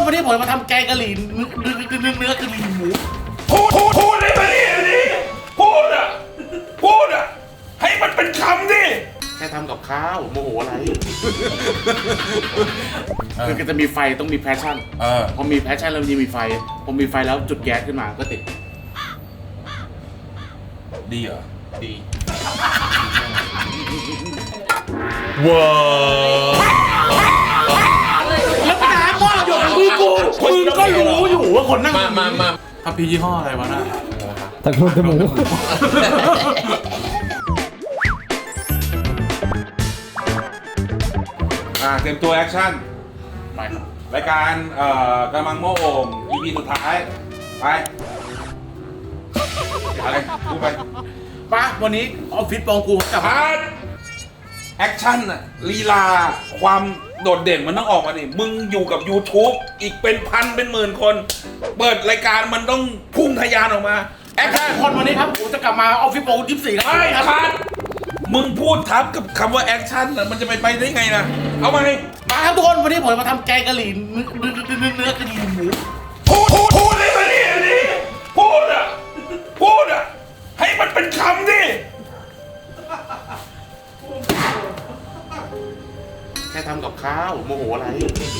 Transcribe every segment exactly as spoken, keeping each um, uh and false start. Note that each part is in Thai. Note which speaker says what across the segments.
Speaker 1: วันนี้ผมมาทำแกงกะหรี่เนื้อเนื้อเนื้อเนื้อกะหรี่หมู
Speaker 2: พูดพูดพูดได้ไหมนี่นี่พูดอ่ะพูดอ่ะให้มันเป็นคำดิ
Speaker 1: แค่ทำกับข้าวโมโหอะไรคือก็จะมีไฟต้องมีแพชชั่นพอมีแพชชั่นแล้วมันจะมีไฟพอมีไฟแล้วจุดแก๊สขึ้นมาก็ติด
Speaker 2: ดีเหรอ
Speaker 1: ดี
Speaker 2: ว้า
Speaker 1: แล้วปัญหาพ่ออยู่มือกูมึงก็รู้อยู่ว่าคนนั่ง
Speaker 2: มามามา
Speaker 1: ทำพียี่ห้ออะไรวะน่ะ
Speaker 3: ตะกุนจมูก
Speaker 2: อ่าเตรียมตัวแอคชั่น
Speaker 1: ไปครับ
Speaker 2: รายการเอ่อกำลังโม่โอ่ง อี พี สุดท้ายไปอะไรพูดไป
Speaker 1: ป้าวันนี้ออฟฟิศปองกูกลับมา
Speaker 2: แอคชั่นอะลีลาความโดดเด่นมันต้องออกมาดิมึงอยู่กับ YouTube อีกเป็นพันเป็นหมื่นคน เปิดรายการมันต้องพุ่งทะยานออกมาแอคชั่น
Speaker 1: คนวันนี้ครับผมจะกลับมาออฟฟิศปองกูยี่สิบสี่ครับ
Speaker 2: ไอ้คัดมึงพูดทับกับคำว่าแอคชั่นน่ะมันจะไปไปได้ไงนะเอามาดิ
Speaker 1: มาครับทุกคนวันนี้ผมมาทำแกงกะหรี่เนื้อเนื้อเนื้อเนื้อกะหรี่หมู
Speaker 2: พูดพูดพูดได้ไหมนี่นี่พูดอ่ะพูดอ่ะให้มันเป็นคำดิ
Speaker 1: แค่ทำกับข้าวโมโหอะไร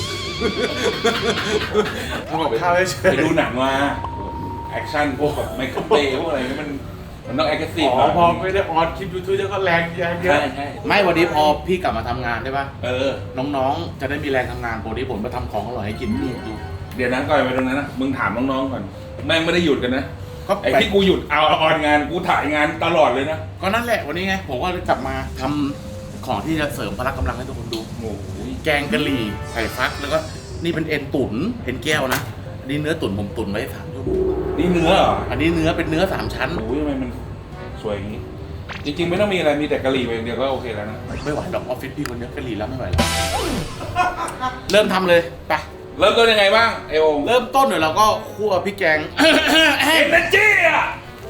Speaker 1: ทำกับข้าวเฉย
Speaker 2: ไปดูหนังมาแอคชั่นพวกแบบไมเคิลเบย์พวกอะไรนี่มันมันต้องแอคทีฟ
Speaker 1: อ๋อพอไม่ได้ออนคลิปยูทูบก็แรงเยอะเยอะ
Speaker 2: ใช่ใช่
Speaker 1: ไม่วันนี้พอพี่กลับมาทำงานได้ป่ะ
Speaker 2: เออ
Speaker 1: น้องๆจะได้มีแรงทำงานวันนี้ผมมาทำของอร่อยให้กินพี่ดู
Speaker 2: เดี๋ยวนั้นก่อนไปตรงนั้นนะมึงถามน้องๆก่อนแม่งไม่ได้หยุดกันนะ
Speaker 1: ก็
Speaker 2: ไอ้ที่กูหยุดเอาออนงานกูถ่ายงานตลอดเลยนะ
Speaker 1: ก็นั่นแหละวันนี้ไงผมก็เลยกลับมาทำของที่จะเสริมพละกำลังให้ทุกคนดู
Speaker 2: โอ้ย
Speaker 1: แกงกะหรี่ไข่ฟักแล้วก็นี่เป็นเอ็นตุ๋นเอ็นแก้วนะอันนี้เนื้อตุ๋นผมตุ๋นไว้สามชั่วโมง
Speaker 2: นี่เนื้อเหรอ
Speaker 1: อันนี้เนื้อเป็นเนื้อสามชั้น
Speaker 2: โอ้ยทำไมมันสวยอย่างนี้จริงๆไม่ต้องมีอะไรมีแต่กะหรี่ไปอย่างเดียวก็โอเคแล้วนะ
Speaker 1: ไม่ไหวหรอกออฟฟิศพี่คนเดียวกะหรี่แล้วไม่ไหวแล้วเริ่มทำเลยไป
Speaker 2: เริ่มต้นยังไงบ้างเอโอ
Speaker 1: เริ่มต้นเนี่ยเราก็คั่วพริกแกง
Speaker 2: เอ็นเนจี้อ่ะ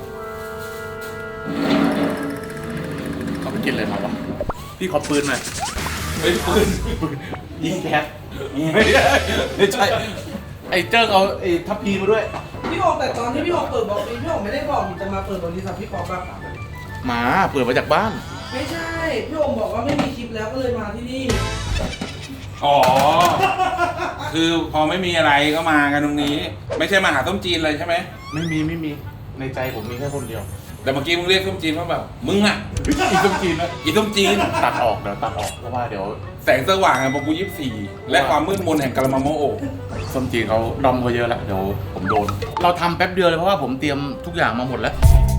Speaker 1: เขาไปกินอะไรมาวะพี่ขอปืนหน่อย
Speaker 2: เฮ้ยปืน
Speaker 1: ยิงแก๊สไม่ใช่ไม่ใช่ไอ้เจิ้งเอาไอ้ทัพพีมาด้วย
Speaker 4: พี่บอกแต่ตอนที่พี่บอกเปิดบอกนี้พี่บอกไม่ได้บอกจะมาเปิดบริษัทพี่บอกป่ะ
Speaker 1: มาเปิดมาจากบ้าน
Speaker 4: ไม่ใช่พี่โอมบอกว่าไม่มีคลิปแล้วก็เลยมาที่นี่
Speaker 2: อ๋อคือพอไม่มีอะไรก็มากันตรงนี้ไม่ใช่มาหาต้มจีนเลยใช่ไหม
Speaker 1: ไม่มีไม่มีในใจผมมีแค่คนเดียว
Speaker 2: แต่เมื่อกี้มึงเรียกต้มจีนว่าแบบมึงอ่ะ
Speaker 1: อีต้มจีนนะ
Speaker 2: อีต้มจีน
Speaker 1: ตัดออกเดี๋ยวตัดออกเพราะว่าเดี๋ยว
Speaker 2: แสงสว่างอะบอกกูยี่สิบสี่และความมืดมนแห่งกะละมังโมโอ
Speaker 1: ส้มจีนเขาดอมเขาเยอะแล้วเดี๋ยวผมโดนเราทำแป๊บเดียวเลยเพราะว่าผมเตรียมทุกอย่างมาหมดแล้ว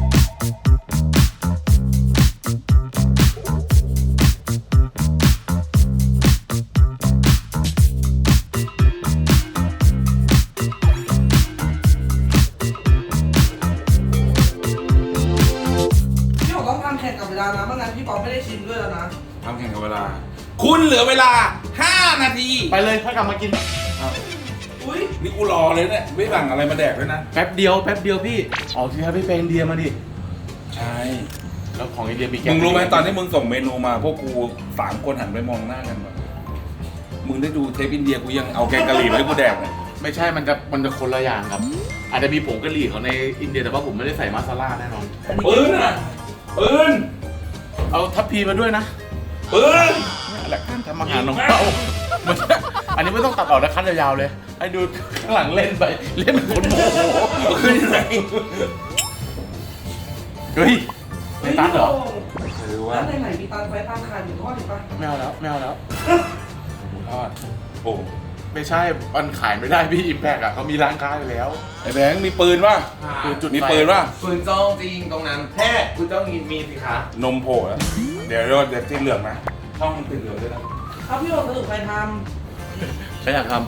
Speaker 4: แข่งกับเวลานะไม่งั้นพี่ปอไม่ได้ชิมด้วยแล้วนะ
Speaker 2: ทำแข่งกับเวลาคุณเหลือเวลาห้านาที
Speaker 1: ไปเลยค่อยกลับมากิน
Speaker 4: อุ้ย
Speaker 2: นี่กูรอเลยเนี่ยไม่สั่งอะไรมาแดกด้วยนะ
Speaker 1: แป๊บเดียวแป๊บเดียวพี่ออกทีครับพี่ไปอินเดียมาดิ
Speaker 2: ใช่
Speaker 1: แล้วของอินเดียมีแก
Speaker 2: มึงรู้ไหมตอนที่มึงส่งเมนูมาพวกกูสามคนหันไปมองหน้ากันแบบมึงได้ดูเทปอินเดียกูยังเอาแกงกะหรี่มาให้กูแดกเลย
Speaker 1: ไม่ใช่มันจะมันจะคนละอย่างครับอาจจะมีผงกะหรี่ของในอินเดียแต่ว่าผมไม่ได้ใส่มาซาล่าแน่นอน
Speaker 2: ปืนอ่ะปืน
Speaker 1: เอาทัพพีมาด้วยนะ
Speaker 2: ปืน
Speaker 1: นี่แหละการทำอาหารของเราอันนี้ไม่ต้องตัดออกนะคัดยาวๆเลยให้ดูข้างหลังเล่นไปเล่นเป็นคนโมโหขึ้นไหนเฮ้ยในตันเหรอ
Speaker 4: หรือว่าในไหนมีตันไฟตันขายอยู่ทอดถูกปะ
Speaker 1: ไม่เอาแล้วไม่เอาแล้ว
Speaker 2: ทอดโอ้
Speaker 1: ไม่ใช่มันขายไม่ได้พี่อิมแพกอ่ะเขามีร้านค้าอยู่แล้ว
Speaker 2: ไอ้แบงค์มีปืนป่ะ
Speaker 1: ปืนจุด
Speaker 2: มีปืนป่ะ
Speaker 5: ปืนจ้องจริงตรงนั้นแค่คุณต้องมีมีสิคะ
Speaker 2: นมโผล่แล้วเดี๋ยวเดี๋ยวติดเหลืองนะช่องมันติดเหลืองด้วยนะ
Speaker 4: เอาพี่โอสรุปใครท
Speaker 1: ำใครอยากท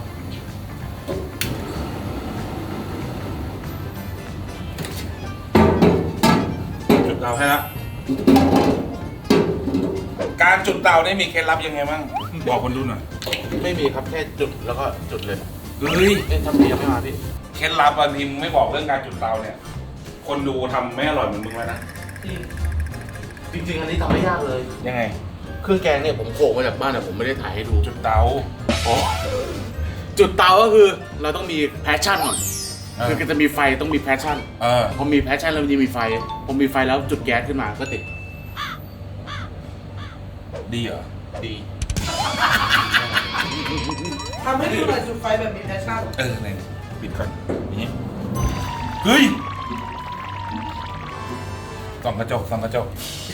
Speaker 2: ำจุดเตาให้ละการจุดเตาได้มีเคล็ดลับยังไงบ้างบอกคนดูหน่อย
Speaker 1: ไม่มีครับแค่จุดแล้วก็จุดเลย
Speaker 2: เฮ้ย
Speaker 1: เอ๊ะทำเพียงไม่มาพี่
Speaker 2: เคล็ดลับบางทีมึงไม่บอกเรื่องการจุดเตาเนี่ยคนดูทำไม่อร่อยเหมือนมึงแล้วนะ
Speaker 1: จริงจริงอันนี้ทำไม่ยากเลย
Speaker 2: ยังไง
Speaker 1: เครื่องแกงเนี่ยผมโขกมาจากบ้านแต่ผมไม่ได้ถ่ายให้ดู
Speaker 2: จุดเตา
Speaker 1: อ๋อจุดเตาก็คือเราต้องมีแพชชั่นก่อน
Speaker 2: เออ
Speaker 1: คือก็จะมีไฟต้องมีแพชชั่น
Speaker 2: เออ
Speaker 1: พอมีแพชชั่นแล้วมันจะมีไฟพอมีไฟแล้วจุดแก๊สขึ้นมาก็ติด
Speaker 2: ดีเหรอ
Speaker 1: ดี
Speaker 4: ทำให้ดูหน่อยจุดไฟแบบมีแพชชั่น
Speaker 2: เออเนี่ยปิดก่อนอย่างนี้เฮ้ยส่องกระจกส่องกระจก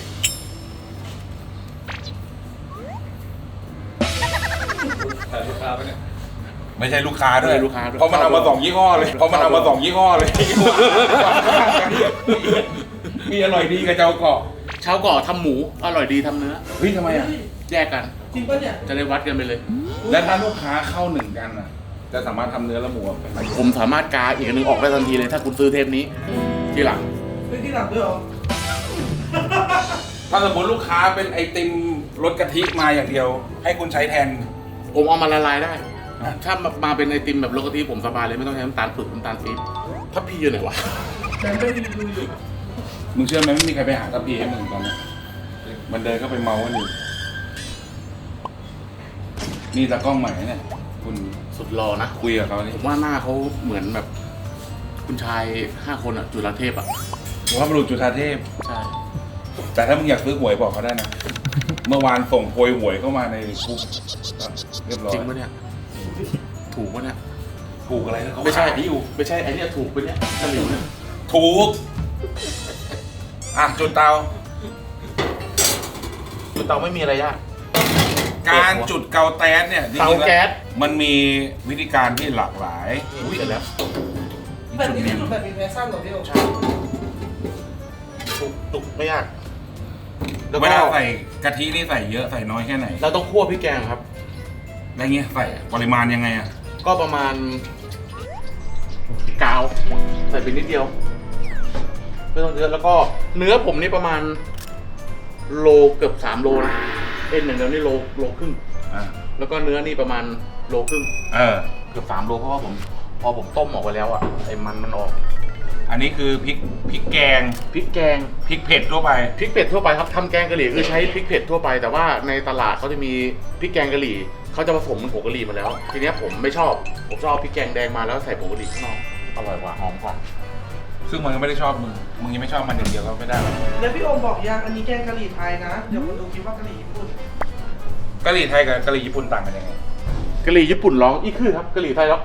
Speaker 2: ไม่ใช่ลูกค้าด้วย
Speaker 1: ไม่ใช่ลูกค้าด้วย
Speaker 2: เพราะมันเอามาสองยี่ห้อเลยเพราะมันเอามาสองยี่ห้อเลย มีอร่อยดีกับเจ้าเกาะ
Speaker 1: เช้าก่อทำหมูอร่อยดีทำเนื้อ
Speaker 2: เฮ้ยทำไมอ่ะ
Speaker 1: แยกกัน
Speaker 4: จริงปะเนี่ย
Speaker 1: จะได้วัดกันไปเลย
Speaker 2: แล้วถ้าลูกค้าเข้าหนึ่งกันอ่ะ จะสามารถทำเนื้อและหมูเป็น
Speaker 1: ผมสามารถกาอีกอันหนึงออกได้ทันทีเลย ถ้าคุณซื้อเทปนี้ทีหลัง
Speaker 4: ไม่ที่หลังด้วยเหรอ
Speaker 2: ถ้าสมมติลูกค้าเป็นไอติมรสกะทิมาอย่างเดียว ให้คุณใช้แทน
Speaker 1: ผมเอามาละลายได้
Speaker 2: อ่ะ
Speaker 1: ถ้ามาเป็นไอติมแบบโลกะทิผมสบายเลยไม่ต้องใช้น้ำตาลฝึกน้ำตาลปี๊บถ้าพี่อยู่ไหนวะ
Speaker 4: แต่ไม่ได้ดูอยู่
Speaker 2: มึงเชื่อไหมไม่มีใครไปหาตะพีให้มึงตอนนี้มันเดินเข้าไปเมากันอยู่นี่ตากล้องใหม่เนี่ยคุณ
Speaker 1: สุดหล่อนะ
Speaker 2: คุยกับเขานี่
Speaker 1: ผมว่าหน้าเขาเหมือนแบบ คุณชายห้าคนอะจุฬาเทพอะ
Speaker 2: ผมว่าบรุษจุฑาเทพ
Speaker 1: ใช่
Speaker 2: แต่ถ้ามึงอยากซื้อหวยบอกเขาได้นะ เมื่อวานส่งโพยหวยเข้ามาในกรุ๊ปเรียบร้อย
Speaker 1: จริงปะเนี่ย ถูกปะเนี่ย
Speaker 2: ถูกอะไรนะเขา
Speaker 1: ไม่ใช่
Speaker 2: ขายอยู่
Speaker 1: ไม่ใช่ไอเนี้ยถูกปะเนี่ยตะหลิวเนี่ย
Speaker 2: ถูก อ่ะจุดเตา
Speaker 1: จุดเตาไม่มีอะไรยาก
Speaker 2: การจุดเกาแต๊สเนี่ยจริงๆ
Speaker 1: เตาแก๊ส
Speaker 2: มันมีวิธีการที่หลากหลาย
Speaker 1: อุ้ยเสร็จแล้ว
Speaker 4: แบบนี้คือจุดแบบมีแพชชั่นเหรอพี่โอ
Speaker 1: ใช่ถูกถูกไม่ยากแล้ว
Speaker 2: เว
Speaker 1: ก็
Speaker 2: ลาใส่กะทินี่ใส่เยอะใส่น้อยแค่ไหน
Speaker 1: เราต้องคั่วพริกแกงครับ
Speaker 2: แล้วเงี้ยใส่ปริมาณยังไงอ่ะ
Speaker 1: ก็ประมาณกาวใส่ไปนิดเดียวไม่ต้องเยอะแล้วก็เนื้อผมนี่ประมาณโลเกือบสามโลนะเอ็นอย่างเดียวนี่โลโลครึ่ง
Speaker 2: อ่า
Speaker 1: แล้วก็เนื้อนี่ประมาณโลครึ่ง
Speaker 2: เออ
Speaker 1: เกือบสามโลเพราะว่าผมพอผมต้มออกไปแล้วอ่ะไอ้มันมันออก
Speaker 2: อันนี้คือพริกพริกแกง
Speaker 1: พริกแกง
Speaker 2: พริกเผ็ดทั่วไป
Speaker 1: พริกเผ็ดทั่วไปครับทำแกงกะหรี่คือใช้พริกเผ็ดทั่วไปแต่ว่าในตลาดเขาจะมีพริกแกงกะหรี่เขาจะผสมเป็นผงกะหรี่มาแล้ว ทีเนี้ยผมไม่ชอบผมชอบพริกแกงแดงมาแล้วใส่ผงกะหรี่ข้างนอกอร่อยกว่าหอมกว่า
Speaker 2: ซึ่งมันก็ไม่ได้ชอบมึง มึงยังไม่ชอบมันอย่างเดียวก็ไม่ได้หรอก
Speaker 4: แล้วพี่โอมบอกยังอันนี้แกงกะหรี่ไทยนะ เดี๋ยวคนดูคิดว่ากะหรี่ญี่ปุ่น
Speaker 2: กะหรี่ไทยกับกะหรี่ญี่ปุ่นต่างกันยังไง
Speaker 1: กะหรี่ญี่ปุ่นร้องอีคือครับกะหรี่ไทยร้อง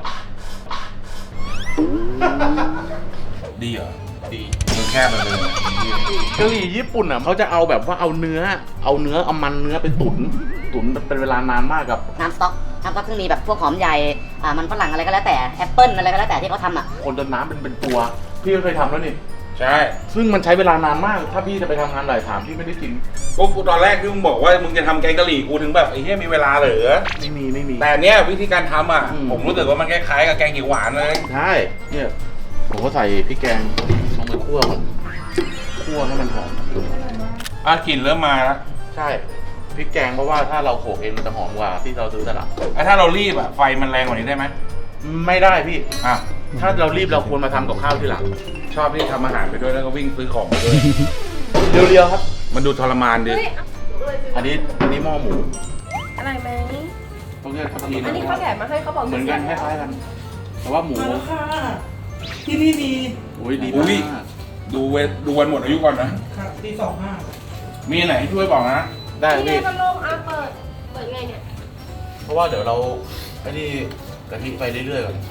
Speaker 2: ดีเหรอ
Speaker 1: ดี
Speaker 2: มึงแคบไปเลย
Speaker 1: กะหรี่ญี่ปุ่นอ่ะเขาจะเอาแบบว่าเอาเนื้อ เอาเนื้อเอามันเนื้อไปตุ๋นตุ๋นเป็นเวลานานมากกับ
Speaker 3: น้ำสต๊อกน้ำสต๊อกซึ่งมีแบบพวกหอมใหญ่อ่ามันฝรั่งอะไรก็แล้วแต่แอปเปิ้ลอะไรก็แล้วแต่ที่เขาทำอ่ะ
Speaker 1: คนจนน้ำเป็นเป็นตัวพี่ก็เคยทำแล้วนี่
Speaker 2: ใช่
Speaker 1: ซึ่งมันใช้เวลานานมากถ้าพี่จะไปทำงานหลายถามพี่ไม่ได้กิน
Speaker 2: ก็กูตอนแรกที่มึงบอกว่ามึงจะทำแกงกะหรี่กูถึงแบบไอ้เหี้ยมีเวลาเหรอ
Speaker 1: ไม่มีไม่มี
Speaker 2: แต่เนี้ยวิธีการทำอ่ะ
Speaker 1: อืม
Speaker 2: ผมรู้สึกว่ามันคล้ายๆกับแกงเขียวหวานเลย
Speaker 1: ใช่เนี่ยผมก็ใส่พริกแกงลงไปคั่วก่อนคั่วให้มันหอม
Speaker 2: อ่ะกลิ่นเริ่มมาแล้ว
Speaker 1: ใช่พริกแกงเพราะว่าถ้าเราโขลกเองมันจะหอมกว่าที่เราซื้อตลาด
Speaker 2: อ่ะถ้าเรารีบอ่ะไฟมันแรงกว่านี้ได้ไหม
Speaker 1: ไม่ได้พี่
Speaker 2: อ่ะ
Speaker 1: ถ้าเรารีบเราควรมาทำกับข้าวทีหลัง
Speaker 2: ชอบที่ทำอาหารไปด้วยแล้วก็วิ่งซื้อของไปด้วย
Speaker 1: เรียวๆครับ
Speaker 2: มันดูทรมานดิ
Speaker 1: อันนี้อันนี้หม้อหมู
Speaker 6: อะไรไหม
Speaker 1: ตรงนี้ทับที
Speaker 6: อันนี้เขาแถมมาให้เขาบอก
Speaker 1: เหมือนกันคล้ายๆกัน แต่ว่าหมู
Speaker 4: มาแล้วค่ะ ที่นี่ดี
Speaker 1: โอ้ยดี
Speaker 2: อุ้
Speaker 1: มาย ก
Speaker 2: ดูเวดูวันหมดอายุก่อนนะ
Speaker 4: ค่ะตีสองห้า
Speaker 2: มีไหนให้ช่วยบอกนะ
Speaker 1: ได้
Speaker 6: นี่ไง
Speaker 1: พี่
Speaker 6: พัดลมอ่ะเปิด เปิดไงเนี่ย
Speaker 1: เพราะว่าเดี๋ยวเราไอ้นี่กะทิไปเรื่อยๆก่อน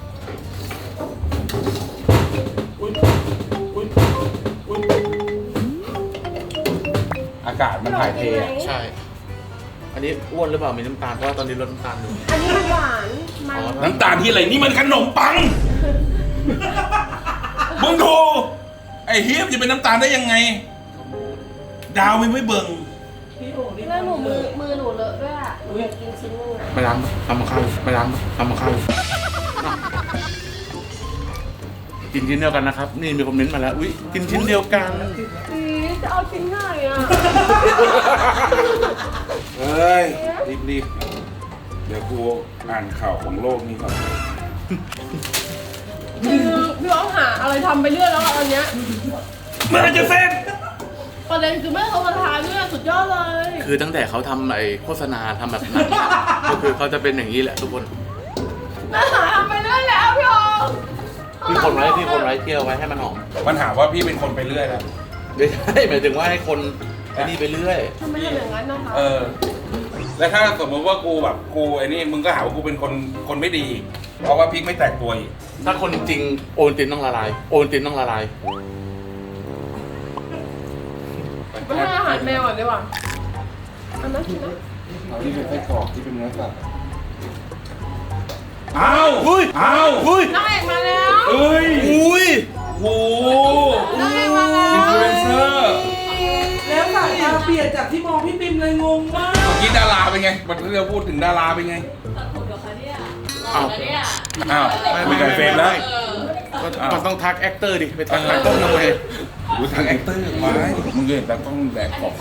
Speaker 1: อุ๊ยอุ๊ยอุ๊ย
Speaker 2: อากาศมันถ่ายเทอะ
Speaker 1: ใช่ อันนี้อ้วนหรือเปล่ามีน้ำตาลเพราะว่าตอนนี้ลดน้ำตาลอยู่
Speaker 6: อันนี้มันหวาน มัน
Speaker 1: อ๋อ
Speaker 2: น้ำตาลที่อะไรนี่มันขนมปัง มึงโทรไอ้เฮียมจะเป็นน้ำตาลได้ยังไง ดาวไม่ไม่เบิ่ง
Speaker 4: พี่โอนี่
Speaker 6: แล้วหนูมือ มือหนูเลอะด้วยอ่ะ หนูอยากกินชิ้นนึงอ่ะ
Speaker 1: ไปล้างทำมาข้าวไปล้างทำมาข้าวกินชิ้นเดียวกันนะครับ นี่มีคอมเมนต์มาแล้ว อุ้ยกินชิ้นเดียวกัน
Speaker 6: อีจะเอาชิ้นไหนอ่ะ
Speaker 2: เฮ้ย รีบรีบเดี๋ยวกูอ่านข่าวของโลกนี้ก่อน
Speaker 6: คือพี่อ้อมหาอะไรทำไปเรื่อยแล้วอ่ะอันเนี้ย
Speaker 2: เมื่อไหรจะเสร็จ
Speaker 6: ประเด็นคือแม่เขามาทานด้วยสุดยอดเลย
Speaker 1: คือตั้งแต่เขาทำไอ้โฆษณาทำแบบหนังก็คือเขาจะเป็นอย่างนี้แหละทุกคน
Speaker 6: อาหารทำไปเรื่อยแล้วพี่ออง
Speaker 1: พี่คนไว้พี่คนไว้เคี่ยวไว้ให้มันหอม
Speaker 2: มันหาว่าพี่เป็นคนไปเรื่อยนะ
Speaker 1: ไม่ใช่หมายถึงว่าให้คนไอ้นี่ไปเรื่อย
Speaker 6: ทำไมทำอย่างนั้นนะคะ
Speaker 2: เออ แล้วถ้าสมมติว่ากูแบบกูไอ้นี่มึงก็หาว่ากูเป็นคนคนไม่ดี เพราะว่าพริกไม่แตกตัวอีก
Speaker 1: ถ้าคนจริงโอนตินต้องละลาย โอนตินต้องละลาย
Speaker 6: ไปให้อาหารแมวก่อนดีกว่าอันนั้นกินนะ
Speaker 5: ที่เป็นไส้กรอกที่เป็นเนื้อสัตว์
Speaker 2: อ้าวเฮ้ยอ้าว
Speaker 1: อุ้ย
Speaker 6: นางเอกมาแล้ว
Speaker 2: เอ้ย
Speaker 1: อุ้ย
Speaker 2: โอ้โห
Speaker 6: นางเอกมาแล้ว
Speaker 2: อินฟลูเอนเซอร์
Speaker 4: แล้วสายตาเปลี่ยนจากที่มองพี่ปิมเลยงงมาก
Speaker 2: เมื่อกี้ดาราเป็นไงวันที่เราพูดถึงดาราเป็นไง
Speaker 1: อ้าว
Speaker 2: อ้าว
Speaker 1: ไม่
Speaker 2: ไม่
Speaker 1: ไม่
Speaker 2: กันเฟรมแล้ว
Speaker 1: มันต้องทักแอคเตอร์ดิ ไปทักตากล้องทำไม
Speaker 2: กูทางแอคเตอร์ไม้มึงเห็นตากล้องแดกของ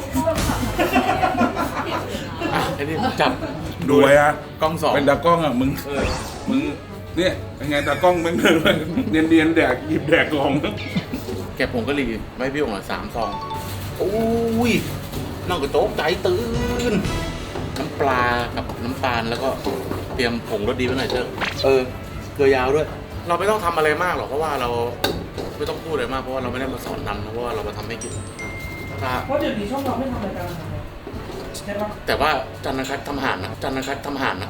Speaker 1: อ่ะไอ้นี่จับ
Speaker 2: ดูไว้อะ
Speaker 1: กล้องสอง
Speaker 2: เป็นตากล้องอะมึง
Speaker 1: เออ
Speaker 2: มึงเนี่ยเป็นไงตากล้องมึงเนียนเนียนๆแดกหยิบแดกของ
Speaker 1: แกะผงกะหรี่ไม่พี่องค์ละสามซองโอ้ยนอกจากโจ๊กใจตื่น น้ำปลากับน้ำตาลแล้วก็เตรียมผงรสดีไว้หน่อยเถอะเออเกลือยาวด้วย เราไม่ต้องทำอะไรมากหรอกเพราะว่าเราไม่ต้องพูดอะไรมากเพราะว่าเราไม่ได้มาสอนนำนะเพราะว่าเรามาทำให้กินถ้า
Speaker 4: เพราะเดี๋ยวนี้ช่องเราไม่ทำรายการอาหารแล้วใช่ปะ
Speaker 1: แต่ว่าจันทร์คัดทำอาหารนะจันทร์คัดทำอาหารนะ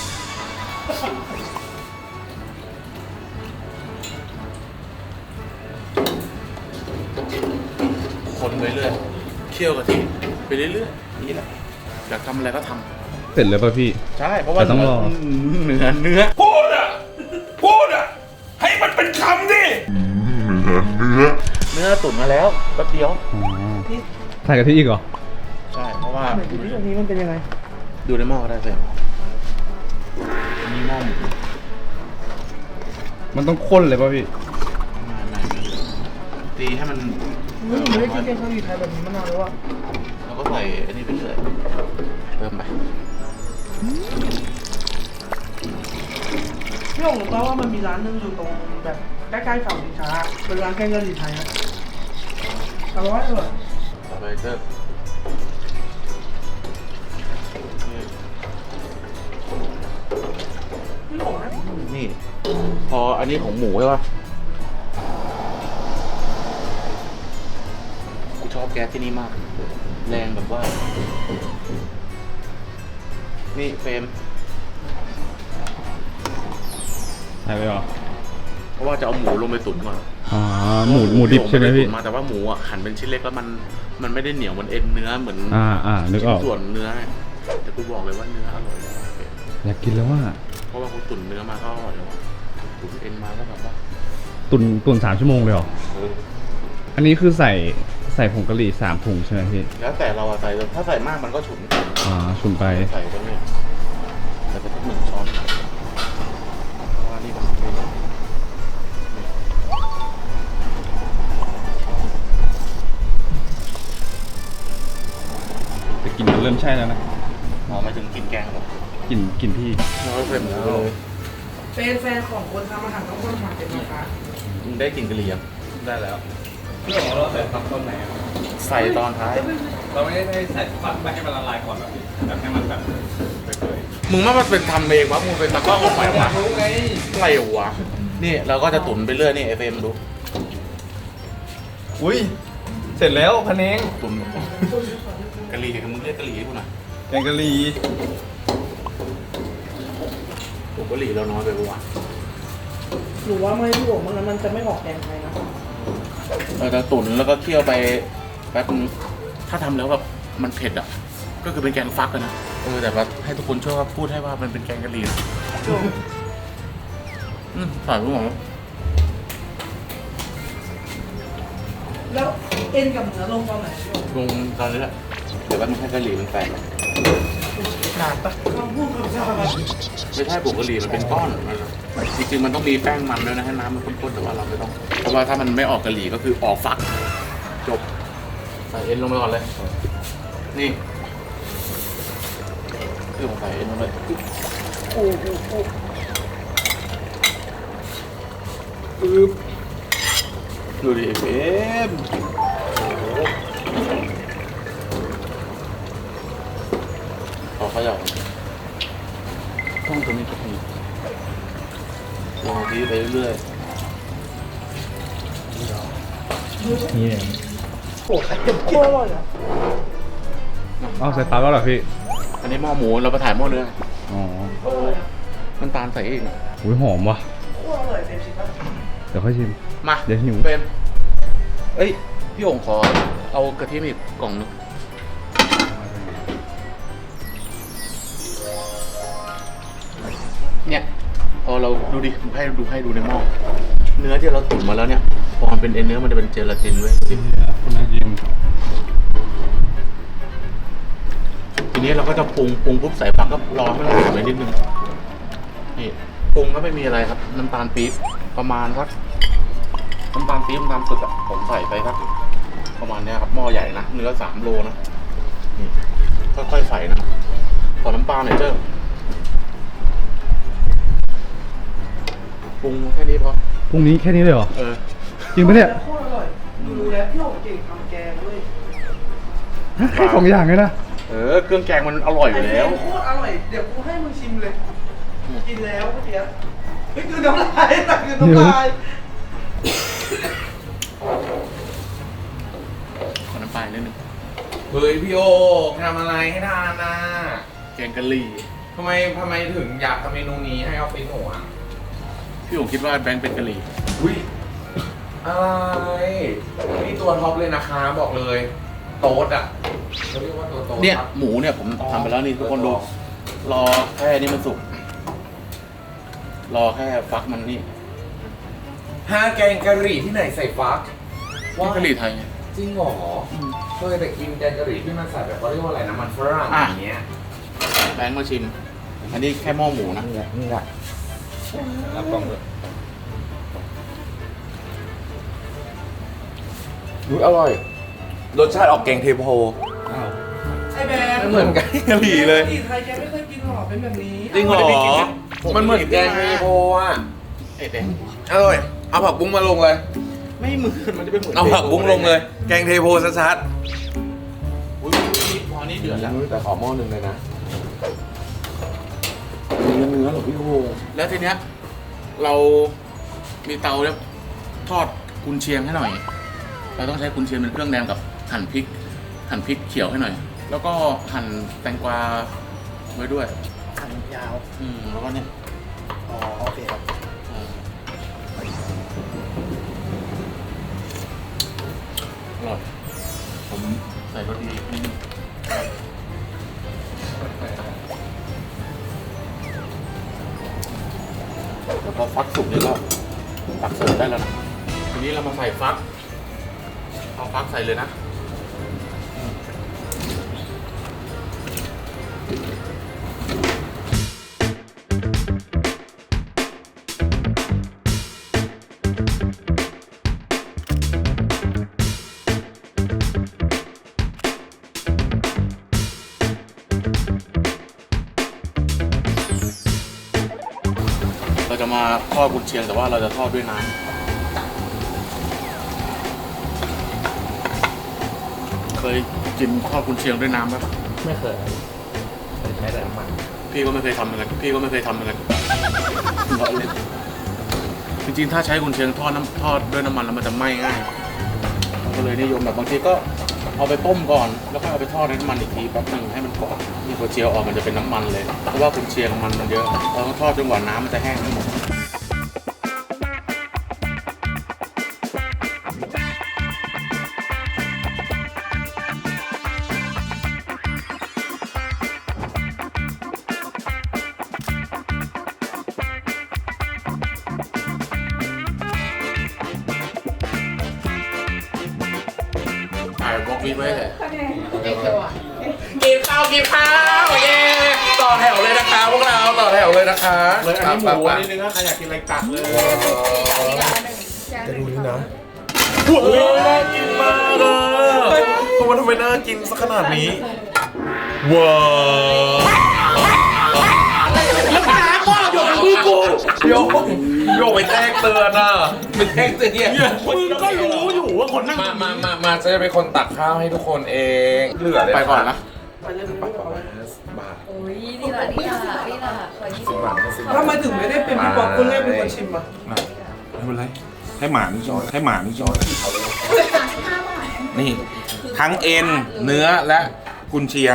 Speaker 1: คนไปเรื่อยเคี่ยวกะทิไปเรื่อยๆนี่แหละอยากทำอะไรก็ทำ
Speaker 7: เสร็จแล้วป่ะพี่
Speaker 1: ใช่เพราะว่า
Speaker 7: แต่ต้องรอ
Speaker 1: เนื้อเนื้อ
Speaker 2: พูดอะพูดอะให้มันเป็นคำดิ
Speaker 1: เนื้อตุ๋นมาแล้วแป๊บเดียว
Speaker 7: อ๋อใส่กะทิอีกเหรอ
Speaker 1: ใช่เพราะว่า
Speaker 4: เหมือนที่ตรงนี้มันเป็นยังไง
Speaker 1: ดูในหม้อก็ได้เสร็จมีหม้อหมู
Speaker 7: มันต้องข้นเลยป่ะพี่
Speaker 1: ไม่ไม่ตีให้มัน
Speaker 4: ไม่ได้กินแกงกะหรี่ไทยแบบนี้มานานแล้วอะ
Speaker 1: แล้วก็ใส่อันนี้ไปเรื่อยเติมไป
Speaker 4: พี่หงรู้ป่ะว่ามันมีร้านหนึงอยู่ตรงแบบใกล้ๆเสาชิงช้าเป็นร้านแกงกะหรี่ไทยนะอร่อยอร่อย
Speaker 1: ต่อไปเติมนี่
Speaker 4: พี่หงนะ
Speaker 1: นี่ พออันนี้ของหมูใช่ป่ะกูชอบแก๊สที่นี่มาก แรงแบบว่า นี่เฟรม
Speaker 7: ใส่ไปเหรอ
Speaker 1: เพราะว่าจะเอาหมูลงไปตุ๋นก่อน
Speaker 7: อ๋อ หมูหมูดิบใช่ไหมพี่
Speaker 1: ตุ๋นมาแต่ว่าหมูอ่ะหั่นเป็นชิ้นเล็กแล้วมันมันไม่ได้เหนียวเหมันเอ็นเนื้อเหมือน
Speaker 7: อ่าอ่านึกออก
Speaker 1: ชิ้นส่วนเนื้อแต่กูบอกเลยว่าเนื้ออร่อยมาก
Speaker 7: อยากกินแล้วว่า
Speaker 1: เพราะว่ากูตุ๋นเนื้อมาก็อร่อยแล้วอะตุ๋นเอ็นมาก็แบบว่า
Speaker 7: ตุนตุนสามชั่วโมงเลยเหรอ
Speaker 1: เออ
Speaker 7: อันนี้คือใส่ใส่ผงกะหรี่สามถุงใช่ไหมพี่
Speaker 1: แล้วแต่เราอะใส่ถ้าใส่มากมันก็ฉุน
Speaker 7: อ่าชุนไป
Speaker 1: ใส่ไปเนี่ยใส่ไปสักหนึ่งช้อนเพราะว่านี่มันไม่ได้
Speaker 7: แต่กลินมันเริ่มใช่แล้วนะ
Speaker 1: อ๋อหมายถึงกินแกงเหรอก
Speaker 7: ลิ่นกลิ่นพี่
Speaker 1: เราก็เฟรมแล้ว
Speaker 4: เป็นแฟนของคนทำอาหารต้องคนทำเป็นนะคะ
Speaker 1: มึงได้กลินกะหรี่ยัง
Speaker 5: ได้แล้วพี่ของเราใส่ตอนต้นไหนอะ
Speaker 1: ใส่ตอนท้าย
Speaker 5: เราไม่ได้ให้ใส่ฝักไปให้มันละลายก่อนแบบนี้แบบให้มันแบบเปื่อย
Speaker 1: มึงว่ามันเป็นทำเองวะมึงเป็นตากล้องออกมาวะ
Speaker 5: รู้ไง
Speaker 1: อะไรวะนี่เราก็จะตุ๋นไปเรื่อยนี่เอฟเอ็มดู
Speaker 5: อุ้ยเสร็จแล้วพันเอง
Speaker 1: ตุ๋นกะหรี่มึงเรียกกะหรี่ให้กูหน่อย
Speaker 5: แกงกะหรี่
Speaker 1: ผมกะหรี่เราน้อยไปปะวะ
Speaker 4: หรือว่าไม่พี่หงมันมันจะไม่ออกแกงไทยนะ
Speaker 1: เราจะตุ๋นแล้วก็เคี่ยวไปแป๊บนึงถ้าทำแล้วแบบมันเผ็ดอ่ะ ก็คือเป็นแกงฟักกันนะเออแต่ว่าให้ทุกคนช่วยว่าพูดให้ว่ามันเป็นแกงกะหรี่นะอืมใส่ไปหมดแล้ว
Speaker 4: แล้วเอ็นกับเนื้อลงตอนไหนพี่หง
Speaker 1: ลงตอนนี้แหละเดี๋ยวแป๊บนึงให้กะหรี่มันแตก
Speaker 4: นานปะคำพูดคำจา
Speaker 1: ไม่ใช่ผงกะหรี่มันเป็นก้อนมันจริงๆมันต้องมีแป้งมันด้วยนะให้น้ำมันข้นๆแต่ว่าเราไม่ต้อง เพราะว่าถ้ามันไม่ออกกะหรี่ก็คือออกฟัก จบใส่เอ็นลงไปก่อนเลย นี่คือผมใส่เอ็นลงไปโอ้โหโอ้ปึ๊บดูดิเอ็มโอ้โหขอเขย่าต้องตรงนี้ก็มีลองทีไปเรื่อย
Speaker 7: นี่เอง
Speaker 4: โอ้ไข่เค็มโคตรอร่อยอ่ะ
Speaker 7: อ้าวใส่ปลาแล้วเหรอพี่
Speaker 1: ๆอันนี้หม้อหมูเราไปถ่ายหม้อเนื้อ
Speaker 7: อ๋อ
Speaker 1: น้ำตาลใส่อีกหน่อย
Speaker 7: อุ้ยหอมว่ะ
Speaker 4: โคตรอร่อยเต็มชิมป่ะ
Speaker 7: เดี๋ยวค่อยชิม
Speaker 1: มา
Speaker 7: เดี๋ยวหิว
Speaker 1: เฟรมเอ้ย พี่โอ่งขอเอากระเทียมอีกกล่องหนึงเนี่ยพอเราดูดิให้ดูให้ดูในหม้อเนื้อที่เราตุ๋นมาแล้วเนี่ยพอมันเป็นเอ็นเนื้อมันจะเป็นเจลาตินเว้ย
Speaker 7: คุณน่ายิน
Speaker 1: ทีนี้เราก็จะปรุงปรุงปุ๊บใส่ฟักก็รอให้มันสุกไปนิดนึงนี่ปรุงก็ไม่มีอะไรครับน้ำตาลปี๊บประมาณสักน้ำตาลปี๊บน้ำตาลสดอะผมใส่ไปสักประมาณเนี้ยครับหม้อใหญ่นะเนื้อสามโลนะนี่ค่อยๆใส่นะขอน้ำปลาหน่อยเจ้าปรุงแค่นี้พอ
Speaker 7: พรุ่งนี้แค่นี้เลยเหรอ
Speaker 1: เออ
Speaker 7: จริงปะเนี่ย
Speaker 4: โคตรอร่อยดูแล้วพี่โอ่งเก่งทำแกงด้วย
Speaker 7: แค่สองอย่างเลยนะ
Speaker 1: เออเครื่องแกงมันอร่อยอยู่แล้ว
Speaker 4: ไอ้เค็มโคตรอร่อยเดี๋ยวกูให้มึงชิมเลยกินแล้วเมื่อกี้เฮ้ยคือน้ำลายแต่คือน้ำลาย
Speaker 1: ขอน้ำปลานิดนึง
Speaker 2: เฮ้ยพี่โอทำอะไรให้ทานนะ
Speaker 1: แกงกะหรี่
Speaker 2: ทำไมทำไมถึงอยากทำเมนูนี้ให้ออฟฟิศหนูอ่ะ
Speaker 1: พี่ผมคิดว่าแบงค์เป็นกะหรี่
Speaker 2: อุ้ยอะไรนี่ตัวท็อปเลยนะคะบอกเลย โต๊ดอ่ะเขาเรียกว่าตัวโต๊ด
Speaker 1: เนี่ย
Speaker 2: ครับ
Speaker 1: หมูเนี่ยผมทำไปแล้วนี่ทุกคนดูรอแค่นี้มันสุกรอแค่ฟักมันนี่
Speaker 2: ห้าแกงกะหรี่ที่ไหนใส่ฟัก
Speaker 1: นี่กะหรี่ไทยไง
Speaker 2: จริงเหรอเคยแต่กินแกงกะหรี่ที่มันใส่แบบเขาเรียกว่าอะไรนะมันฝรั่ง
Speaker 1: อ่ะ
Speaker 2: อย่างเงี้ย
Speaker 1: แบงค์มาชิม อันนี้แค่หม้อหมูนะ
Speaker 2: นี่แหละนี่แหละรับกล้องเลยอุ๊ยอร่อย รสชาติออกแกงเทโพ
Speaker 4: ไอ้แบง
Speaker 2: ไม่เหมือนแกงกะหรี่เลย
Speaker 4: กะหรี่ไทยแกไม่เคยกินหรอเป็นแบบนี้
Speaker 2: จริงเหรอ มันเหมือนแกงเทโพอ่ะ
Speaker 1: ไอ้แบงค์
Speaker 2: อร่อย เอาผักบุ้งมาลงเลย
Speaker 1: ไม่เหมือนมันจะเป็นเหมือน
Speaker 2: เอาผักบุ้งลงเลย แกงเทโพชัด
Speaker 1: อุ๊ยพอนี้เดือดแล้ว
Speaker 2: ๆแต่ขอหม้อหนึ่งเลยนะ เนื้อเนื้อหรอพี่โอ
Speaker 1: แล้วทีเนี้ยเรามีเตาแล้วทอดกุนเชียงให้หน่อย เราต้องใช้กุนเชียงเป็นเครื่องแดงกับหั่นพริก หั่นพริกเขียวให้หน่อย แล้วก็หั่นแตงกวาไว้ด้วย
Speaker 4: หั่นยาว
Speaker 1: อืมแล้วก็เนี่ย
Speaker 4: อ๋อโอเคครับ
Speaker 1: อ่าอร่อย ผมใส่รสดีนิดนึงแล้วพอฟักสุกเนี่ยก็ตักเสิร์ฟได้แล้วนะ ทีนี้เรามาใส่ฟัก เอาฟักใส่เลยนะ เราจะมาทอดกุนเชียงแต่ว่าเราจะทอดด้วยน้ำเคยกินทอดกุนเชียงด้วยน้ำปะ
Speaker 2: ไม่เคยเคยใช้แต่น้ำมัน
Speaker 1: พี่ก็ไม่เคยทำเหมือนกันพี่ก็ไม่เคยทำเหมือนกันล้อเล่นจริงๆถ้าใช้กุนเชียงทอดน้ำทอดด้วยน้ำมันแล้วมันจะไหม้ง่ายเราก็เลยนิยมแบบบางทีก็เอาไปต้มก่อนแล้วก็เอาไปทอดในน้ำมันอีกทีแป๊บหนึงให้มันกรอบนี่พอเจียวออกมันจะเป็นน้ำมันเลยเพราะว่ากุนเชียงมันมันเยอะเราต้องทอดจนกว่าน้ำมันจะแห้งทั้งหมด ถ่ายบล็อกนี้ไว้เลย
Speaker 2: กินข้าวกินข้าวเย้ต่อแถวเลยนะคะพวกเราต่อแถวเลยนะคะ
Speaker 1: เลยอันนี้หมู
Speaker 2: ไป
Speaker 1: อัน
Speaker 2: ๆ
Speaker 1: นี้เนื้อใครอยากกินอะไรตักเลย
Speaker 2: จะดูนี่นะโอ้ยน่ากินมากเลยตัวมันทำไมน่ากินสักขนาดนี้ว้าวแล้วน้ำว่าหยดมือกูโยกโยกไปแจ้งเตือนอ่ะไปแจ้งเตือนเนี่ย
Speaker 1: มึงก็รู้อยู่ว่าคนนั่ง
Speaker 2: มามามามาจะเป็นคนตักข้าวให้ทุกคนเองเหลือเลย
Speaker 1: ไปก่อนนะ
Speaker 4: ไปเลยไปเลยเอาไว้
Speaker 2: บาท
Speaker 6: โอ้ยยนี่แหละนี่แหละนี่แหละขอยี่สิบ
Speaker 4: ทำไมถึงไม่ได้เป็นพี่ป๊อปคนแรกเป็นคนชิมอ่ะ
Speaker 2: อ่ะไม่เป็นไรให้หมานี่ช้อนให้หมานี่ช้อนนี่ทั้งเอ็นเนื้อและกุนเชียง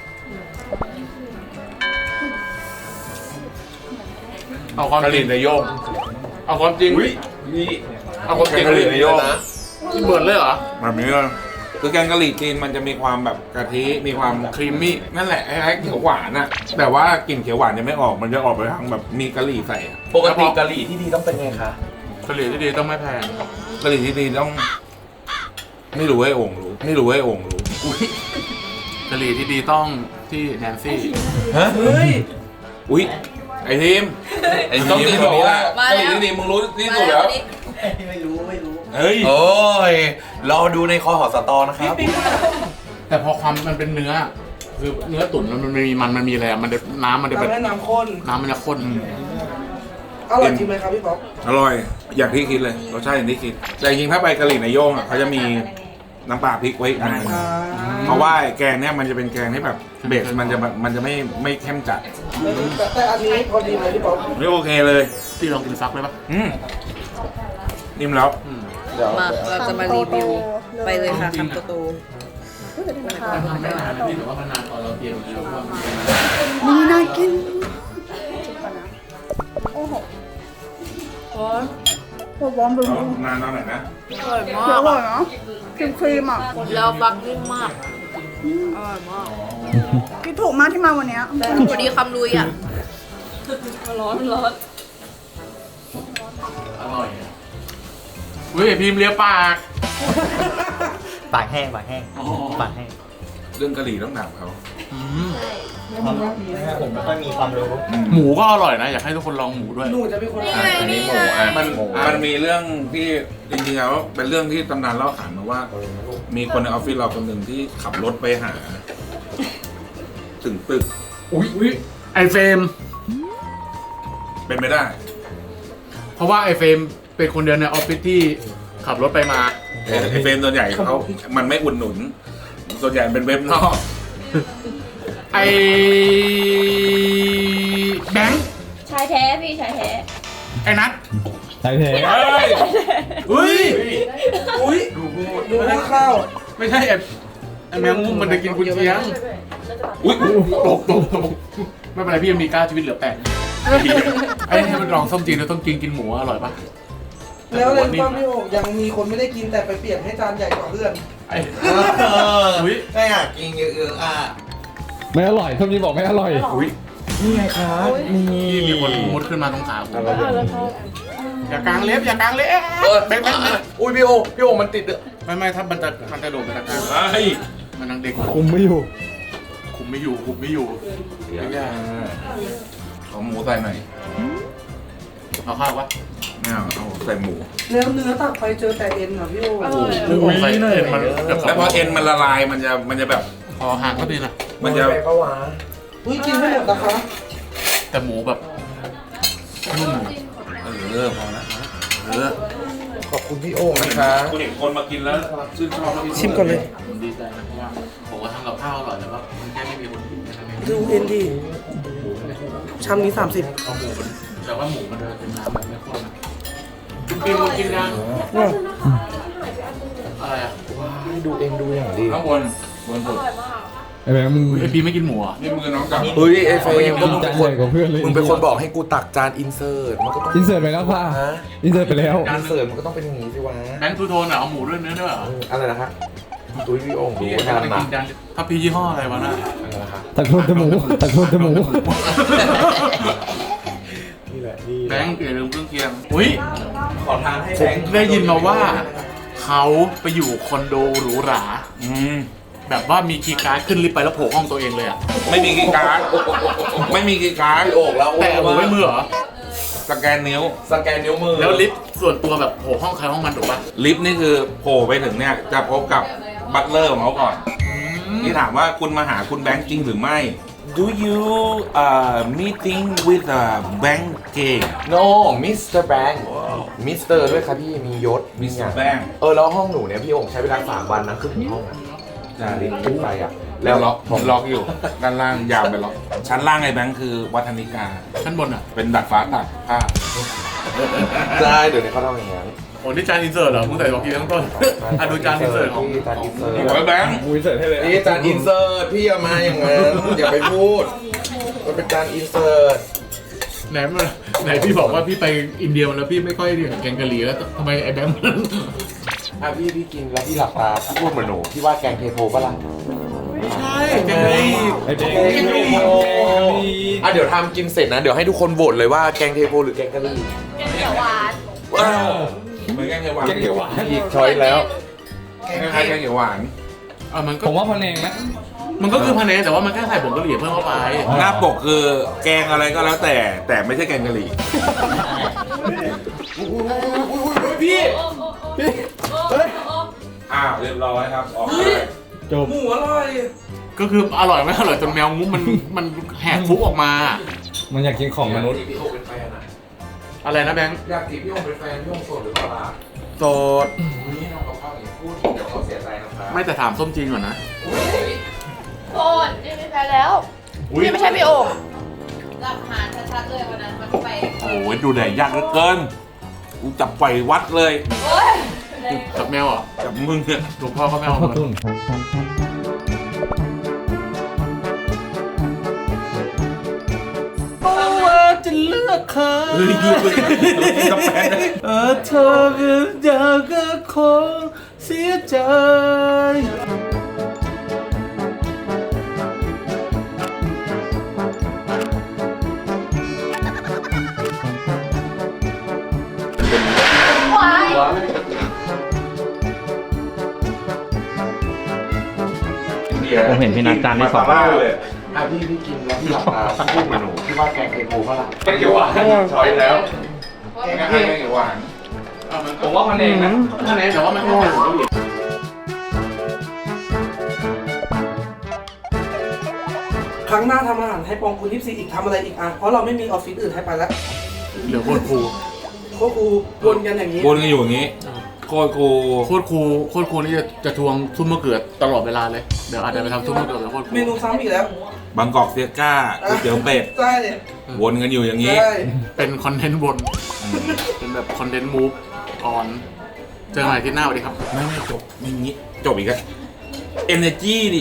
Speaker 1: เอาความ
Speaker 2: กะห
Speaker 1: จริ
Speaker 2: รี่
Speaker 1: ง
Speaker 2: ในโยก
Speaker 1: เอาความจริง
Speaker 2: นี่
Speaker 1: เอาความจริง
Speaker 2: กะหรี่ในโยก
Speaker 1: เหมือนเลยเหรอ
Speaker 2: แบบนี้เลยคือแกงกะหรี่จีนมันจะมีความแบบกะทิมีความ
Speaker 1: ครีมมี่
Speaker 2: นั่นแหละคล้ายๆเขียวหวานอะแต่ว่ากลิ่นเขียวหวานยังไม่ออกมันจะออกไปทางแบบมีกะหรี่ใส่อะ
Speaker 8: ปกติกะหรี่ที่ดีต้องเป็นไงคะ
Speaker 1: กะหรี่ที่ดีต้องไม่แพง
Speaker 2: กะหรี่ที่ดีต้อง ไม่รู้ให้โอ่งรู้ไม่รู้ให้โอ่งรู้
Speaker 1: กะหรี่ที่ดีต้องที่แนนซี่
Speaker 8: ฮะ
Speaker 4: เฮ้ย
Speaker 2: อุ้ยไอทีม
Speaker 8: ไอ้
Speaker 2: ต้อง
Speaker 8: ที
Speaker 2: กิ
Speaker 8: ม
Speaker 2: นแบบนี้แหละ
Speaker 6: มาแล้ว
Speaker 2: กะหรี่ที่ดีมึงรู้ที่สุดแล้ว
Speaker 4: ไม่รู้ไม่รู้
Speaker 2: เฮ้ย
Speaker 8: โอ้ย รอดูในคอหอสตอนะครับ
Speaker 1: แต่พอความมันเป็นเนื้อ คือเนื้อตุ๋นมันมีมันมันมีอะไรอะมันจะน้ำมันจะเป็น
Speaker 4: น้ำให้น้ำข้น
Speaker 1: น้ำมันจะข้น
Speaker 4: อร่อยจริงไหมครับพี่ป๊อป
Speaker 2: อร่อยอย่างที่คิดเลยรสชาติอย่างที่คิดแต่จริงๆถ้าไปกะหรี่ในโย่งอ่ะเขาจะมีน้ำปลาพริกไว้อีกอันหนึง
Speaker 4: อ่า
Speaker 2: เพราะว่าแกงเนี่ยมันจะเป็นแกงที่แบบเบสมันจะแบบมันจะไม่ไม่เข้มจัด
Speaker 4: แต่แต่อันนี้พอดีไหมพี่ป๊อป
Speaker 2: ไม่โอเคเลย
Speaker 1: ที่ลองกินฟักเลยปะ
Speaker 2: อืมนิ่มแล้ว
Speaker 1: อืม
Speaker 6: มาเราจะมารีวิวไปเลยค่ะคำโต
Speaker 1: มันทำไม่นานนะพี่แต่ว่ามันนานตอนเราเตรียมกินแล้วมันเป็น
Speaker 6: นี่น่ากินโอ้โห
Speaker 2: เอานานเอาหน่อยนะ
Speaker 6: อร่อยมากอร่อยเนาะครีมครีมอ่ะแล้วบักนิ่มมากอร่อยมาก
Speaker 9: คิดถูกมากที่มาวันเนี้ย
Speaker 6: พอดีคำลุยอ่ะร้อนร้อน
Speaker 1: อร่อยอะเฮ้ยพิมพ์เลียปาก
Speaker 8: ปากแห้งปากแห้ง
Speaker 1: อ๋อ
Speaker 8: ปากแห้ง
Speaker 2: เรื่องกะหรี่ต้องถามเขา
Speaker 1: อืม
Speaker 8: ผมไม่ค่อยมีความรู้
Speaker 1: หมูก็อร่อยนะ อยากให้ทุกคนลองหมูด้วย
Speaker 4: หนูจะเป็นคน
Speaker 2: อ่ะอันนี้หมูอ่ะมันมันมีเรื่องที่จริงๆแล้วเป็นเรื่องที่ตำนานเล่าขานมาว่า มีคนในออฟฟิศเราคนหนึ่งที่ขับรถไปหา ถึงตึก
Speaker 1: อุ้ยอุ้ยไอเฟรม
Speaker 2: เป็นไม่ได้
Speaker 1: เพราะว่าไอเฟรมเป็นคนเดียวในออฟฟิศที่ขับรถไปมา
Speaker 2: ไอ้เฟรมส่วนใหญ่เขามันไม่อุดหนุน ส่วนใหญ่เป็นเว็บนอก
Speaker 1: ไอแบงค์
Speaker 6: ชายแท้พี่ชายแท้
Speaker 1: ไอนัท
Speaker 7: ใช่เท
Speaker 2: เฮ้ย
Speaker 1: เฮ้ย
Speaker 4: อุ้ยดูหน้าข้าว
Speaker 1: ไม่ใช่ไอไอแมงมุมมันจะกินกุนเชียง
Speaker 2: อุ้ย
Speaker 1: ตกตกตกไม่เป็นไรพี่ยังมีก้าชีวิตเหลือแปดไอ้ให้มันลองส้มจีนแล้วต้องกินกินหมูอร่อยปะ
Speaker 4: แล้วเลยป้าพี่โอกยังมีคนไม่ได้กินแต่ไปเปลี่ยนให้จานใหญ่กว่าเพื่อน
Speaker 1: ไอ้อุ้ย
Speaker 8: ไม่อยากกินเยอะๆอ่ะ
Speaker 7: ไม่อร่อยส้มจีนบอกไม่อร่อย
Speaker 1: อุ้ย
Speaker 8: นี่ไงคะนี่
Speaker 1: พี่มีคนมุดขึ้นมาตรงขาผมอย่ากางเล็บอย่ากางเล็บแบงค์แบงค์แบงค์
Speaker 8: อุ้ยพี่โอพี่โอมันติดเด้อ
Speaker 1: ไม่ไม่ถ้ามันจะมันจะโดดมันจะกาง
Speaker 2: เฮ้ย
Speaker 1: มันนังเด็ก
Speaker 7: คุมไม่อยู่
Speaker 1: คุมไม่อยู่คุมไม่อยู่
Speaker 2: เดี๋ยวขอหมูใส่หน่อย
Speaker 1: เอาข้าวปะ
Speaker 2: ไม่เอาเอาใส่หมู
Speaker 4: แล้วเนื้อตักไปเจอแต่เอ็นเหรอพี่โอ
Speaker 1: อุ้ยใส่เอ็นมันเกือบ
Speaker 2: แล้วพอเอ็นมันละลายมันจะมันจะแบบ
Speaker 1: พอห่างก็ดีนะ
Speaker 2: มันจะ
Speaker 8: ไปปะวะ
Speaker 4: อุ้ยกินไม่หมดนะคะ
Speaker 1: แต่หมูแบบนุ่ม
Speaker 2: เออพอละเออ
Speaker 8: ขอบคุณพี่โอนะคะ
Speaker 2: กูเห็นคนมากินแล้วชื่นชอบ
Speaker 4: ชิมก่อนเลย
Speaker 1: ผมดีใจนะเพราะว่าผมว่าทำกับข้าวอร่อยแต่ว่ามันแค่ไม่มีคนกินแค่นั้นเอง
Speaker 4: ดูเอ็นดีชามนี้สามสิบ
Speaker 1: เอาหมูมันแต่ว่าหมูมันจะเป็นน้ำแบบไม่ข้นนะกินกินกินยังอะไรอ่ะ
Speaker 8: ดูเองดูอย่างดี
Speaker 2: ข้างบนบนสุด
Speaker 7: ไอ้แบงค์มึง
Speaker 1: ไอพีไม่กินหมูอ่ะ
Speaker 2: นี่มือน้องจับ
Speaker 8: เฮ้ยไอ้เฟรมก็มึง
Speaker 7: จา
Speaker 8: เป็น นคน
Speaker 7: ใหญ่กว่าเพื่อนเลย
Speaker 8: มึงเป็นคนบอกให้กูตักจานอินเสิร์ตมันก็ต้อง
Speaker 7: อินเสิร์ตไปแล้วป่ะ
Speaker 8: ฮะ
Speaker 7: อินเสิร์ตไปแล้ว
Speaker 8: อินเสิร์ตมันก็ต้องเป็นอย่างนี้สิวะ
Speaker 1: แบงค์ทูโทนอ่ะเอาหมูด้วยเนื้อด้วยเหรอ
Speaker 8: เอออะไรนะฮะตุ้ยพี่โอ่งดู
Speaker 1: พี่
Speaker 8: ว่า
Speaker 1: จะ
Speaker 8: ทาน
Speaker 1: ไป
Speaker 8: มา
Speaker 1: กินจานถ้าพี่ยี่ห้ออะไรวะน่ะ
Speaker 8: อะไรนะฮะ
Speaker 7: ตักโทนจมูกตักโทนจมูก
Speaker 8: นี่แหละนี่
Speaker 1: แบงค์อย่าลืมเครื่องเคียงอุ้ย
Speaker 8: ขอทานให้
Speaker 1: ผ
Speaker 8: แบ
Speaker 1: ม
Speaker 8: งค์
Speaker 1: ได้ยินมาว่า เขาไปอยู่คอนโดหรูหรา
Speaker 2: อืม
Speaker 1: แบบว่ามีคีย์การ์ดขึ้นลิฟต์ไปแล้วโผล่ห้องตัวเองเลยอ่ะ
Speaker 2: ไม่มีกีย์การ์ดไม่มีกีย์การ์ด
Speaker 8: พี่โอ่งแล้ว
Speaker 1: แต่หมูไม่มือเหรอ
Speaker 2: สแกนนิ้ว
Speaker 8: สแกนนิ้วมือ
Speaker 1: แล้วลิฟต์ส่วนตัวแบบโผล่ห้องใครห้องมันถูกปะ
Speaker 2: ลิฟต์นี่คือโผล่ไปถึงเนี่ยจะพบกับบัตเลอร์ของเขาก่อนที่ถามว่าคุณมาหาคุณแบงค์จริงหรือไม่ Do you uh meeting with a bank king
Speaker 8: โนมิสเตอร์แบงค์มิสเตอร์ด้วยครับพี่มียศมี
Speaker 2: มิสเตอ
Speaker 8: อย่าง
Speaker 2: ร์แบงค์
Speaker 8: เออแล้วห้องหนูเนี่ยพี่โอ่งใช้เวลาสามวันนะขึ้นถึงห้องอะจากลิฟต์ขึ้นไปอ่ะ
Speaker 2: แล้วล็อกผมล็อกอยู่ ด้านล่างยาวไปล็อก ชั้นล่างไอ้แบงค์คือวัฒนิกา
Speaker 1: ชั้นบนอ่ะ
Speaker 2: เป็นดัดฟ้าตัดผ้า
Speaker 8: ได้เดี๋ยวนี้เขาทำอย่างนั้น
Speaker 1: โอ้นี่จานอินเสิร์ตเหรอมึงใส่บอกกี้ทั้งต้นอ่ะดูจานอินเสิร์ตของ
Speaker 8: พี่จานอินเสิร์ต
Speaker 2: โอ้ยแบงค์
Speaker 7: มุ้ยเสิร์ฟให้เลย
Speaker 8: นี่จานอินเสิร์ตพี่อย่ามาอย่างนั้นอย่าไปพูดมันเป็นจานอินเสิร์ต
Speaker 1: ไหนมันไหนพี่บอกว่าพี่ไปอินเดียมาแล้วพี่ไม่ค่อยเรียนแกงกะหรี่แล้วทำไมไอ้แบงค์มัน
Speaker 8: อ่ะพี่พี่กินแล้วพี่หลับตาพูดเหมือนหนูพี่ว่าแกงเทโพปะล่ะ
Speaker 1: ไม่ใช่แกงกะหรี่
Speaker 7: ไอ้เด็ก
Speaker 8: แกงเทโพอ่ะเดี๋ยวทำกินเสร็จนะเดี๋ยวให้ทุกคนโหวตเลยว่าแกงเทโพหรือแกงกะหรี่
Speaker 6: แกงเขียวหวาน
Speaker 8: ว้าว
Speaker 2: เหมือนแกงเขียวหวาน
Speaker 7: แกงเขียวหวาน
Speaker 8: อีกช้อยแล้ว
Speaker 2: คล้ายๆแกงเขียวหวาน
Speaker 1: อ่ะมันก็
Speaker 7: ผมว่าพะเนงนะ
Speaker 1: มันก็คือพะเนแต่ว่ามันแค่ใส่ผงกะหรี่เพิ่มเข้าไป
Speaker 2: หน้าปกคือแกงอะไรก็แล้วแต่ แต่ไม่ใช่แกงกะหรี่
Speaker 8: พี่
Speaker 2: อ้าวเรียบร้อยครับ ออกเลย
Speaker 7: จบ
Speaker 4: หมูอร่อย
Speaker 1: ก็คืออร่อยไม่อร่อยจนแมวงุ้มมันมันแหกฟุกออกมา
Speaker 7: มันอยากกินของมนุษย์
Speaker 8: พี่โอเป็นแฟนอ่ะ
Speaker 1: อะไรนะแบงค์
Speaker 8: อยากจีบพี่โอเป็นแฟนพี่โอโสดหรือเปล่าล่ะ
Speaker 1: โสด
Speaker 8: นี่น้องกับข้าวอย่างพูดเดี๋ยวเขาเสียใจนะครับ
Speaker 1: ไม่แต่ถามส้มจีนก่อนนะ
Speaker 6: โอ้ยนี่ไม่แพ้แล้ว นี่ไม่ใช่พี่โอ่งหลักฐานชัดๆเลยวันนั้นมันไป
Speaker 2: โอ้ยดูแดดยากเหลือเกิน กูจับปล่อยวัดเลย
Speaker 6: โอ้ย
Speaker 1: กับแมวเหรอ
Speaker 2: กับมึงเนี่ย
Speaker 1: หลวงพ่อก็แมว
Speaker 7: ขอบคุณ
Speaker 4: ว่าจะเลือกใคร
Speaker 2: เฮ้ยดูเลยกับแฟนนะ
Speaker 4: เออเธอก็เดี๋ยวก็คงเสียใจ
Speaker 6: วาย
Speaker 7: ผมเห็นพี่นัทจานที่สอง
Speaker 2: บ้าเลย
Speaker 8: อ่ะพี่พี่กินแล้วพี่หลับตาพูดเหมือนหนูพี่ว่าแกงเทโพปะล่ะแกงเขียวหวานช้อยแล้ว
Speaker 2: แกงอะไรแกงเขียวหวาน
Speaker 7: ผมว่าพะเนงนะ
Speaker 1: พะเนแต่ว่ามันแค่ใส่ผงกะหรี่
Speaker 4: ครั้งหน้าทำอาหารให้ปองคุณยี่สิบสี่อีกทำอะไรอีกอ่ะ เพราะเราไม่มีออฟฟิศอื่นให้ไปแล้ว
Speaker 1: เหลือโคตรครู
Speaker 4: ก็กูวนกันอย่างนี้
Speaker 2: วนกันอยู่อย่างนี้ โคตรกู
Speaker 1: โคตรครูโคตรครูนี่จะจะทวงซุปมะเขือตลอดเวลาเลย เดี๋ยวอาจจะไปทำซุปมะเขือแบบโคตรครู
Speaker 4: เมนูซ้ำอีกแล้ว
Speaker 2: บางกอกเซียก้าก๋วยเตี๋ยวเป็ด
Speaker 4: ใช่เลย
Speaker 2: วนกันอยู่อย่างนี้
Speaker 4: ใช่
Speaker 1: เป็นคอนเทนต์บน เป็นแบบคอนเทนต์มูฟออน เจอกันใหม่ที่หน้าสวัสดีครับ
Speaker 2: ไม่ไม่จบไม่งี้ จบอีกแล้วเอเนจีดิ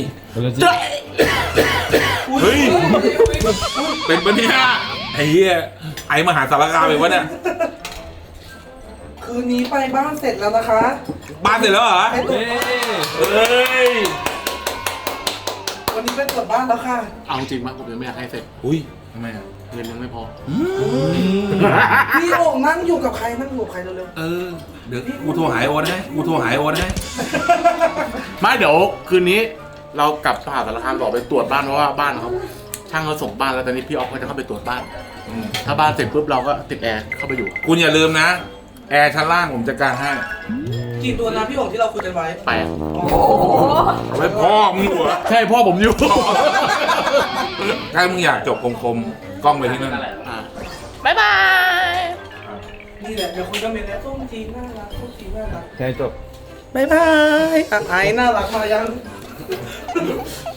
Speaker 2: เฮ้ย เป็นปะเนี่ยไอ้เหี้ยไอ้มหาสารคามเป็นปะเนี่ย
Speaker 4: คืนนี้ไปบ้านเสร็จแล้วนะคะ
Speaker 2: บ้านเสร็จแล้วเหรอ
Speaker 4: ไปตรวจ
Speaker 2: เฮ้ย
Speaker 4: วันนี้ไปตรวจบ้านแล้วค่ะ
Speaker 1: เอาจริงมากผมยังไม่อยากให้เสร็จ
Speaker 2: อุ้ยทำไมอ่ะ
Speaker 1: เงินยังไม่พอ
Speaker 4: พี่โอ่งนั่งอยู่กับใครนั่งอยู่กับใครเร็ว
Speaker 2: เออ เดี๋ยวกูโทรหายโอนให้ กูโทรหายโอนให้
Speaker 1: ไม่เดี๋ยวคืนนี้เรากลับมหาสารคามต่อไปตรวจบ้านเพราะว่าบ้านเขาช่างเขาส่งบ้านแล้วตอนนี้พี่ออฟก็จะเข้าไปตรวจบ้าน ถ้าบ้านเสร็จปุ๊บเราก็ติดแอร์เข้าไปอยู่
Speaker 2: คุณอย่าลืมนะ แอร์ชั้นล่างผมจัดการให้
Speaker 4: ๆกี่ตัวนะพี่โอ่งที่เราคุยกันไว้
Speaker 1: แปด
Speaker 2: เอาไว้พ่อมึงอยู่เหรอ
Speaker 1: ใช่พ่อผมอยู่
Speaker 2: ถ้ามึงอยากจบคมๆ กล้องไปที่นั่น
Speaker 1: อ่ะ
Speaker 6: บ๊ายบาย
Speaker 4: นี่แหละเดี๋ยวคุยกันเมนแล้วส้มจีนน่ารักส้มจีนน่ารัก
Speaker 7: ใช่จบ
Speaker 4: บ๊ายบายอ่ะไอ้น่ารักมายัง